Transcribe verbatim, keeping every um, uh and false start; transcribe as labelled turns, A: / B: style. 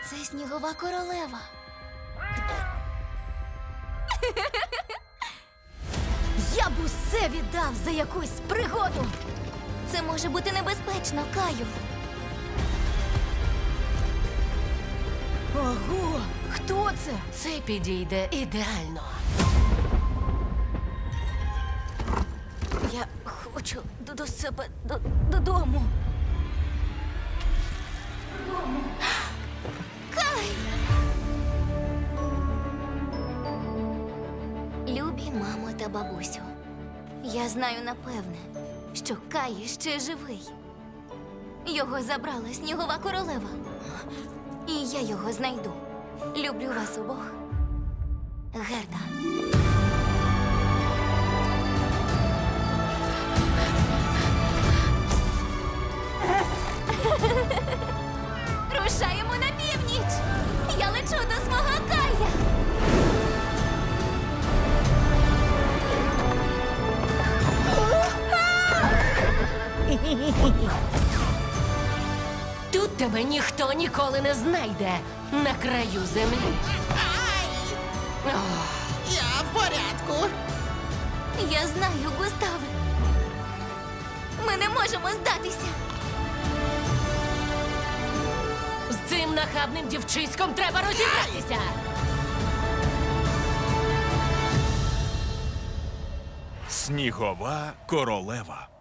A: Це снігова королева. Я б усе віддав за якусь пригоду. Це може бути небезпечно, Каю. Ого, хто це?
B: Це підійде ідеально.
A: Я хочу до, до себе до, додому. Кай! Любі мамо та бабусю, я знаю напевне, що Кай ще живий. Його забрала снігова королева. І я його знайду. Люблю вас обох. Герда. Рушаємо на північ! Я лечу до свого Кая!
B: Тут тебе ніхто ніколи не знайде на краю землі. Ох,
C: Я в порядку.
A: Я знаю, Густаве. Ми не можемо здатися.
B: з цим нахабним дівчиськом треба розібратися.
D: Снігова королева.